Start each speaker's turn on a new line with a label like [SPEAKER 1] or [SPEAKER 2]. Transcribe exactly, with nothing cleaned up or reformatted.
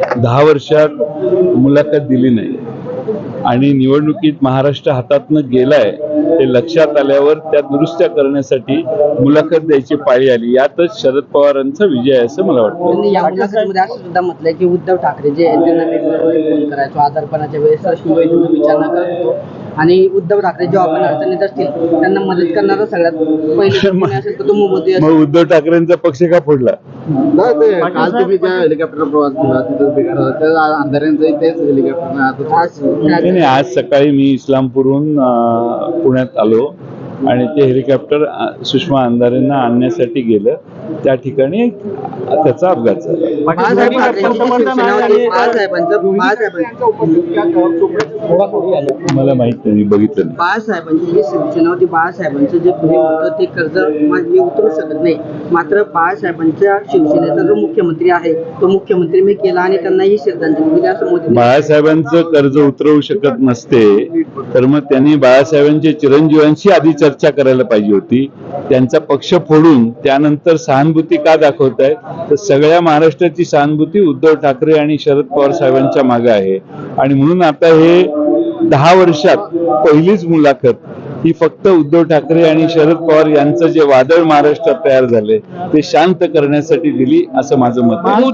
[SPEAKER 1] दहा वर्षात मुलाखत दिली नाही आणि निवडणुकीत महाराष्ट्र हातातनं गेलाय ते लक्षात आल्यावर त्या दुरुस्त्या करण्यासाठी मुलाखत द्यायची पाळी आली. यातच शरद पवारांचा विजय आहे असं मला वाटतं.
[SPEAKER 2] या मुलाखतीमध्ये असं सुद्धा म्हटलंय की उद्धव ठाकरे जे त्यांना मी फोन करायचो आजारपणाच्या वेळेस रश्मीबाईंना विचारणा करत होतो आणि उद्धव ठाकरे जेव्हा आपण अडचणीत असतील त्यांना मदत करणारा सगळ्यात पहिले असेल तर तो मोदी असेल.
[SPEAKER 1] मग उद्धव ठाकरेंचा पक्ष का फोडला?
[SPEAKER 3] काल तुम्ही त्या हेलिकॉप्टर प्रवास केला तिथं अंधाऱ्यांचं तेच हेलिकॉप्टर.
[SPEAKER 1] नाही, आज सकाळी मी इस्लामपूरहून पुण्यात आलो आणि ते हेलिकॉप्टर सुषमा अंधारेंना आणण्यासाठी गेलं. त्या ठिकाणी त्याचा अपघात झाला. मला माहित नाही, बघितलं नाही.
[SPEAKER 2] बाळासाहेबांची जी शिवसेना होती, बाळासाहेबांचं जे पुढे होतं ते कर्ज मी उतरू शकत नाही. मात्र बाळासाहेबांच्या शिवसेनेचा जो मुख्यमंत्री आहे तो मुख्यमंत्री मी केला आणि त्यांनाही श्रद्धांजली दिली असं मोदी.
[SPEAKER 1] बाळासाहेबांचं कर्ज उतरवू शकत नसते तर मग त्यांनी बाळासाहेबांच्या चिरंजीवांशी आधी चर्चा करायला पाहिजे होती. त्यांचा पक्ष फोडून त्यानंतर सहानुभूती का दाखवतायत? तर सगळ्या महाराष्ट्राची सहानुभूती उद्धव ठाकरे आणि शरद पवार साहेबांच्या मागे आहे आणि म्हणून आता हे दहा वर्षात पहिलीच मुलाखत ही फक्त उद्धव ठाकरे आणि शरद पवार यांचं जे वादळ महाराष्ट्रात तयार झाले ते शांत करण्यासाठी दिली असं माझं मत आहे.